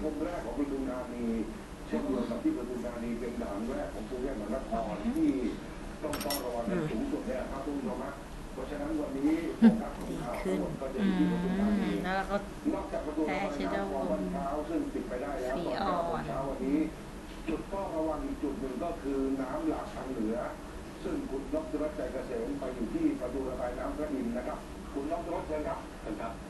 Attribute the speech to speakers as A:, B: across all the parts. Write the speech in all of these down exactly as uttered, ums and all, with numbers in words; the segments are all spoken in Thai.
A: มแรกของปทุมธานีเช่นเดียวกับที่ปทุมธานีเป็นด่านแรกของกรุงเทพมหานครที่ต้องต้องระวังสูงสุดเนี่ยครับทุกผู้ชมครับเพราะฉะนั้นวันนี้โฟกัสของข่าวทั้งหมดก็จะอยู่ที่ปทุมธานี
B: แล้วเราก็
A: นอกจากประตูระบายน้ำคลองวัดเช้าซึ่งปิดไปได้แล้วตอนเช้าวันนี้จุดต้องระวังอีกจุดหนึ่งก็คือน้ำหลากทางเหนือซึ่งคุณนพดลใจเกษมไปอยู่ที่ประตูระบายน้ำพระอินทร์นะครับคุณนพดลเชิญครับเชิญครับ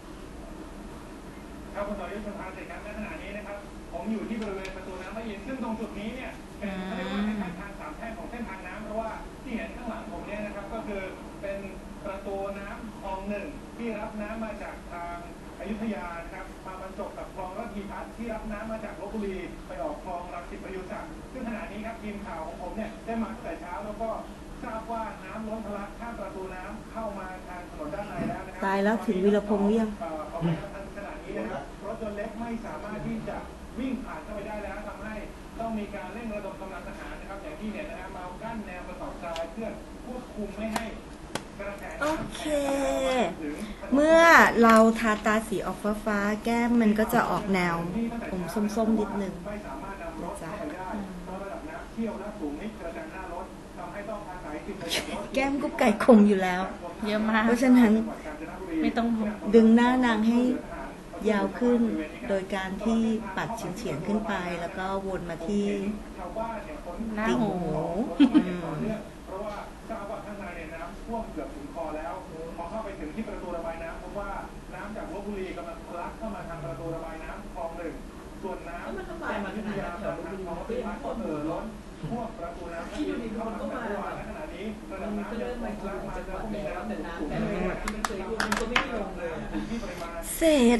C: ครับคุณต่อยุทธสภาเสร็จครับณขณะนี้นะครับผมอยู่ที่บริเวณประตูน้ำพระอินทร์ซึ่งตรงจุดนี้เนี่ยเป็นเขาเรียกว่าเป็นทางสามแพร่งของเส้นทางน้ำเพราะว่าที่เห็นข้างหลังผมเนี่ยนะครับก็คือเป็นประตูน้ำคลองหนึ่งที่รับน้ำมาจากทางอยุธยานะครับมาบรรจบกับคลองระพีพัฒน์ที่รับน้ำมาจากลพบุรีไปออกคลองรังสิตประยุทธ์ศักดิ์ซึ่งขณะนี้ครับทีมข่าวของผมเนี่ยได้มาตั้งแต่เช้าแล้วก็ทราบว่าน้ำล้นทะลักข้ามประตูน้ำเข้ามาทางถนนด้านในแล้วนะครับ
D: ตายแล้วถึงวีรพงษ์ยัง
C: ขณะนี้นะครับรถยนต์เล็กไม่สามารถที่จะวิ่งผ่านเข้าไปได้แล้วทำให้ต้องมีการเร่งระดมกำลังทหารนะครับอย่างที่เห็นนะครับมากั้นแนวกระสอบทรายเพื่อควบคุมไม่ให้
D: โอเคเมื่อเราทาตาสีออกฟ้าฟ้าแก้มมันก็จะออกแนวผมส้มๆนิดนึงนะจ๊ะแก้มกุ๊กไก่คมอยู่แล้ว
B: เยอะมาก
D: เพราะฉะนั้น
B: ไม่ต้อง
D: ดึงหน้านางให้ยาวขึ้นโดยการที่ปัดเฉียงๆขึ้นไปแล้วก็วนมาที่
B: ติ่งหู
C: เพราะว่าทราบว่าข้างในเนี่ยน้ำท่วมเกือบถึงคอแล้วพอเข้าไปถึงที่ประตูระบายน้ำพบว่าน้ำจากลพบุรีกำลังทะลักเข้ามาทางประตูระบายน้ำคลองหนึ่งส่วนน้ำจากอยุธยาทางคลองระพีพัฒน์ก็เอ่อล้นท่วมประตูน้ำที่เข้ามาจากเมื่อวานและขณะนี้ระดับน้ำยังคงทะลักมาแล้วก็มีน้ำสูง
D: เศษ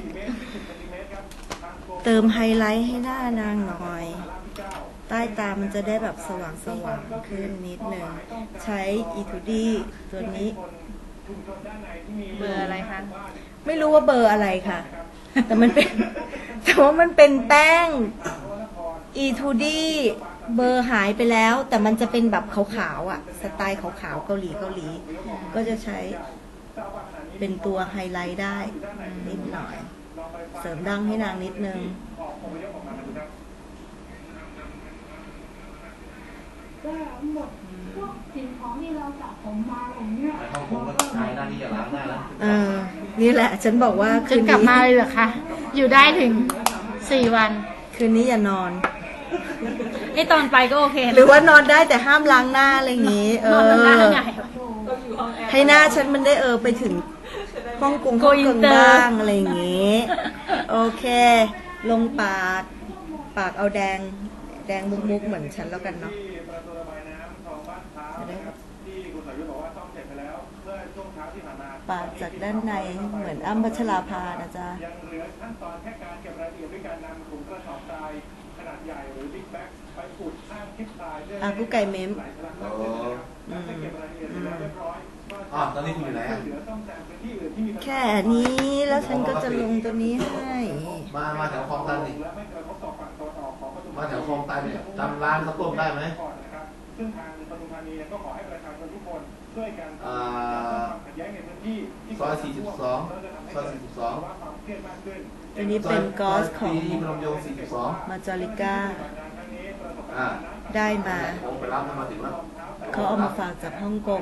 D: เติมไฮไลท์ให้หน้านางหน่อยใต้ตามันจะได้แบบสว่างสว่างขึ้นนิดหนึ่งใช้อีทูดี้ตัวนี้
B: เบอร์อะไรคะ
D: ไม่รู้ว่าเบอร์อะไรค่ะแต่มันเป็นแต่ว่ามันเป็นแป้งอีทูดี้เบอร์หายไปแล้วแต่มันจะเป็นแบบขาวๆอ่ะสไตล์ขาวๆเกาหลีเกาหลีก็จะใช้เป็นตัวไฮไลท์ได้นิดหน่อยเสริมดั้งให้นางนิดนึง
E: ก็หมดพวกสิ่งของที่เราจับผมมาผมเนี่ย
F: ห้องผมก็ใช้หน้าที่จะล้างหน้าแล้ว
D: เออนี่แหละฉันบอกว่า
B: คืนกลับมาเลยเหรอคะอยู่ได้ถึงสี่วัน
D: คืนนี้อย่านอน
B: ไอตอนไปก็โอเค
D: หรือว่านอนได้แต่ห้ามล้างหน้าอะไรอย่างงี้เออให้หน้าฉันมันได้เออไปถึงฮ่องกงฮ่องกงบ้างอะไรอย่างงี้โอเคลงปากปากเอาแดงแดงมุกๆเหมือนฉันแล้วกันเนาะปาดจากด้านในเหมือนอ้ำพัชราภานะจ๊ะ
C: ยังเหลือขั้นตอนแค่การเก็บรายละเอียดด้วยการนำถุงกระสอบทรายขนาดใหญ่หรือบิ๊กแบ็คไปอุดข้างคลิปทรายเพื่อ
D: ให้กู้ไก่เม้ม
F: อ๋อตอนนี้คุณอยู่ไหน
D: แค่นี้แล้วฉันก็จะลงตัวนี้ให้
F: มามาแถวคลองตันนี่มาแถวคลองตันเนี่ยจำร้านข้าวต้มได้ไหม
C: ซึ่งทางปทุมธานีก็ขอให้ประชาชนทุกคนช่วยกันขัดแย้งในพื้นที่
F: ซอยสี่สิบสองซอยสี่สิบสอง
D: อันนี้เป็นกอสของมาจอริก้าได้มาเขาเอามาฝากจากฮ่องกง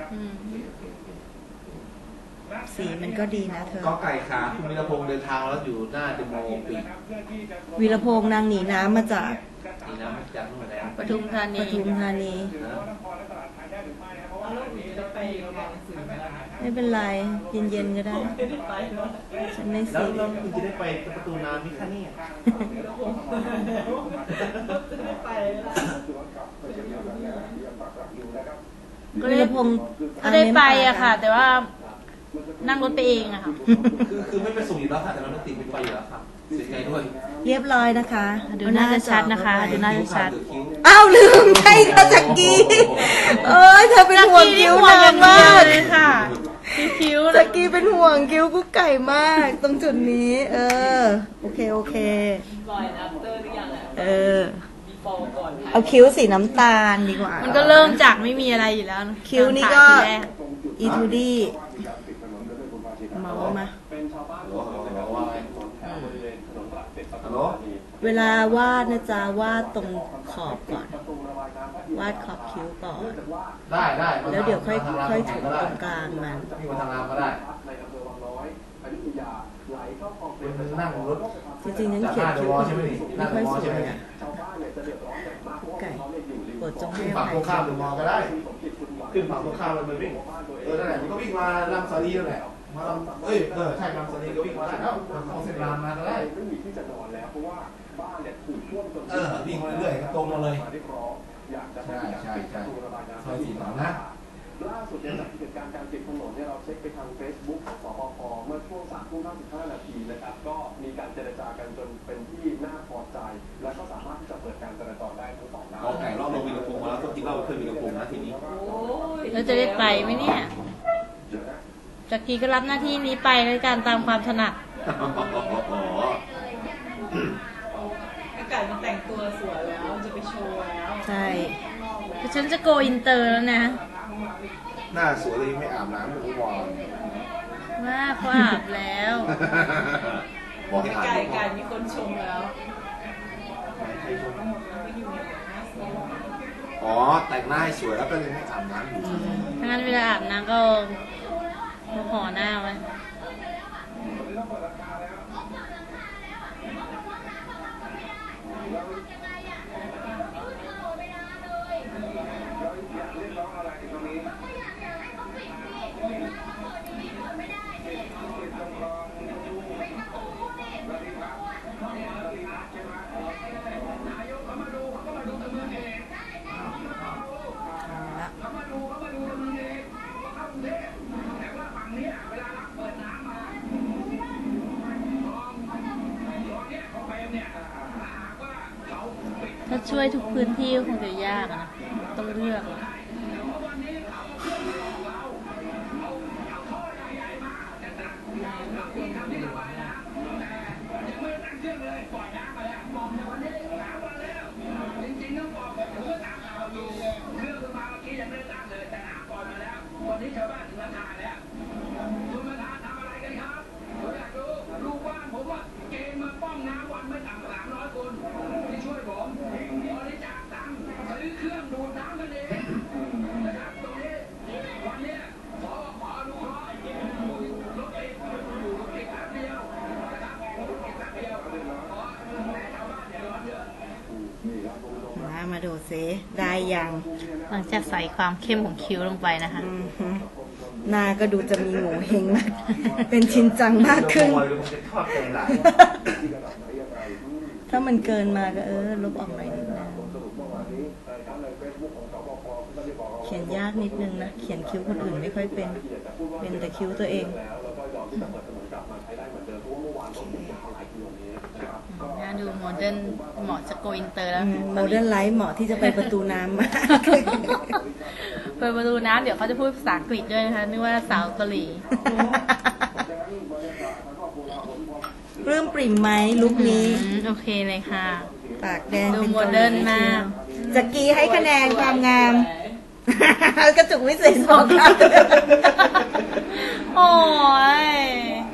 D: สีมันก็ดีนะเธอ
F: ก็ไก่ขาคุณวีรพงษ์เดินทางแล้วอยู่หน้าเดโมปี
D: วีรพงษ์นางหนีน้ำมาจาก
F: หนีน้ำมาจากนู่นแล้ว
B: ปทุมธานี
D: ปทุมธานีไม่เป็นไรเย็นๆก็ได้ฉันไม่ซี
F: แล้วคุณจะได้ไปประตูน้ำมิคานี่
B: ก็ได้ก็ได้ไปอะค่ะแต่ว่านั่งรถไปเองอะค่ะ
F: คือคือไม่ไปส่งอยู่แล้วค่ะแต่เราไม่ติดไปอยู่แล้วค่ะเสียใจด้วย
D: เรียบร้อยนะคะ
B: ดูน่าจะชัดนะคะดูน่าจะชัด
D: อ้าวลืมใช่ค่ะจักกี้เอ้ยเธอเป็นห่วงคิ้วนางมาก
B: เลยค่ะคิ้ว
D: จักกี้เป็นห่วงคิ้วกุ๊กไก่มากตรงจุดนี้เออโอเคโอเค
G: ปล่อยนับเตอร์หรือยัง
D: เออเอาคิ้วสีน้ำตาลดีกว่า
B: มันก็เริ่มจากไม่มีอะไรอยู่แล้ว
D: คิ้วนี่ก็อีทูดี้เมามา
F: ฮัลโหล
D: เวลาวาดนะจ๊ะวาดตรงขอบก่อน วาดขอบคิ้วก่อน
F: ได้ได้
D: แล้วเดี๋ยวค่อย
F: ทางร้าน
D: ค่อยถู
F: ก็
D: ต
F: ได้
D: รงกลางมัน
F: พี่มาทางร้านก็ได้เป็นนั่งรถ
D: จริงๆฉันเขียนคิ้วคนอื่นไม่ค่อยสวยอ่ะไก่โปรดจงให้
F: ขึ้น
D: อ
F: ฝั่ง
D: ภั
F: ตร
D: ย
F: งข้ามเดอะมอลล์ก็ได้ ขึ้นฝั่งตรงข้ามเลยมันวิ่งเออนั่นแหละมันก็วิ่งมาลำซาลีนั่นแหละมาลำเอ้ยเออใช่ลำซาลีก็วิ่งมาได้แล้วเข้าเส้นรางมาก็ได้เออวิ่งมาเรื่อยๆตรงมาเลยใช่ใช่ใช่ซอยสี่สองนะ
H: ล่าสุดเนี่ยจากเหตุการณ์การปิดถนนเนี่ยเราเช็คไปทาง Facebook ของสปภเมื่อช่วงสามทุ่มห้าสิบห้านาทีนะครับก็มีการเจรจากันจนเป็นที่น่าพอใจและก็สามารถที่จะเปิดการจราจรได้ทั้งสองด้าน
I: เอาไก่รอบลงมีกระพุ้งมาแล้วต้องกินเหล้าเพื่อนมีกระพุ้งนะทีนี้
B: แล้วจะได้ไปไหมเนี่ยจากกี้ก็รับหน้าที่นี้ไปในการตามความถนัด
G: อากาศมันแต่งตัวสวยแล้วจะไปโชว์แล้ว
D: ใช่
B: ฉันจะโกอินเตอร์แล้วนะ
I: หน้าสวยเลยไม่อาบน้ำไม่รู้วอน
B: ว่าเขาอาบแล้ว
I: บอกให้อาบ
G: ไก่ไก่มีคนชมแล้ว
I: อ๋อแต่งหน้าให้สวยแล้วก็เลยไม่อาบน้ำอยู่
B: ถ้างั้นเวลาอาบน้ำก็ห่อหน้าไว้ ถ้าช่วยทุกพื้นที่ก็คงจะยากนะต้องเลือกนะ
D: มามาดูซิได้ยัง
B: หลังจากใส่ความเข้มของคิ้วลงไปนะคะ
D: อือฮึหน้าก็ดูจะมีโงเฮงมาก เป็นชินจังมากขึ้น ถ้ามันเกินมาก็เออลบออกหน่อยนิดนึงเขียนยากนิดนึงนะ เขียนคิ้วคนอื่นไม่ค่อยเป็น เป็นแต่คิ้วตัวเอง
B: น่าดูโมเดิร์นเหมาะจะโกอินเตอร์แล้ว
D: โมเดิร์นไลฟ์เหมาะที่จะไปประตูน้ำมาก
B: เปิดประตูน้ำเดี๋ยวเขาจะพูดภาษาอังกฤษด้วยนะคะนึกว่าสาวเกาหลี
D: ปลื้มปริ่มไหมลุคนี้
B: อืมโอเคเลยค่ะ
D: ปากแดง
B: ดู
D: เป็น
B: โมเดิร์นมาก
D: จักรีให้คะแนนความงาม กระจุกวิเศษสองครับ
B: โอ้ย